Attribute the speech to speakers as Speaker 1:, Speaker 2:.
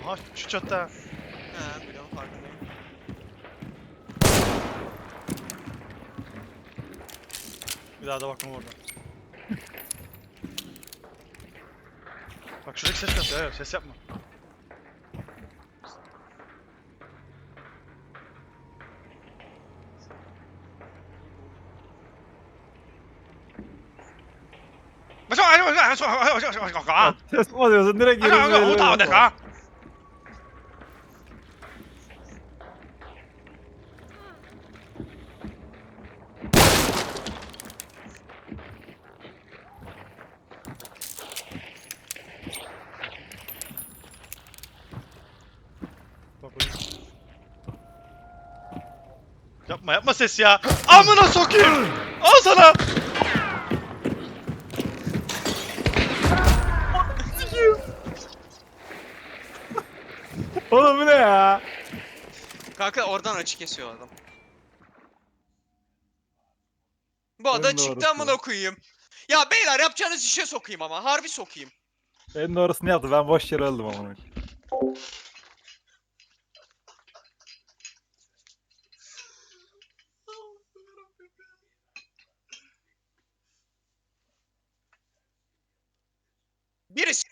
Speaker 1: Aha şu çatta.
Speaker 2: He biliyorum farkındayım.
Speaker 1: Bir daha da bakma orada. Bak şuradaki ses yapma. Evet, ses yapma.
Speaker 3: Ses mi alıyorsun? Direkt yürüyüz elime yapma.
Speaker 1: Bak oraya. Yapma yapma ses ya. Amına sokayım. Al sana.
Speaker 3: Oğlum bu ne ya?
Speaker 2: Kanka oradan açı kesiyor adam. Bu
Speaker 3: En
Speaker 2: ada çıktı
Speaker 3: doğrusu.
Speaker 2: amına koyayım. Ya beyler yapacağınız işe sokayım ama. Harbi sokayım.
Speaker 3: En doğrusunu yaptı. Ben boş yere öldüm amına.
Speaker 2: Birisi